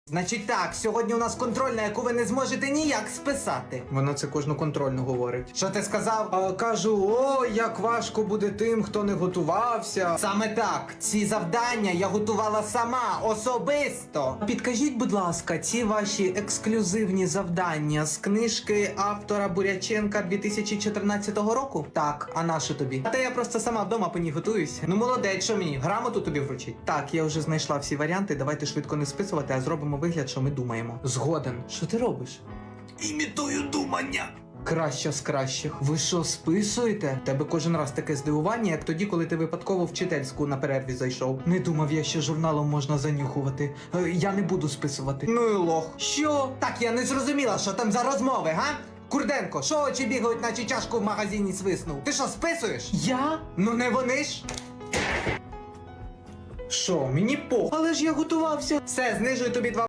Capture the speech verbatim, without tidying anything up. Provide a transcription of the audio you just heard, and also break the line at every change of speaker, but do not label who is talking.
Значить так, сьогодні у нас контрольна, яку ви не зможете ніяк списати.
Вона це кожну контрольну говорить.
Що ти сказав?
А, кажу, о, як важко буде тим, хто не готувався.
Саме так, ці завдання я готувала сама, особисто.
Підкажіть, будь ласка, ці ваші ексклюзивні завдання з книжки автора Буряченка дві тисячі чотирнадцятого року?
Так, а на що тобі?
А та я просто сама вдома по ній готуюсь.
Ну молодець, що мені, грамоту тобі вручить?
Так, я вже знайшла всі варіанти, давайте швидко не списувати, а зробимо вигляд, що ми думаємо.
Згоден.
Що ти робиш?
Імітую думання.
Краща з кращих. Ви що, списуєте? Тебе кожен раз таке здивування, як тоді, коли ти випадково в вчительську на перерві зайшов. Не думав я, що журналом можна занюхувати. Е, Я не буду списувати.
Ну і лох.
Що?
Так, я не зрозуміла, що там за розмови, га? Курденко, що очі бігають, наче чашку в магазині свиснув? Ти що, списуєш?
Я?
Ну не вони ж.
Що, мені пох. Але ж я готувався.
Все, знижую тобі два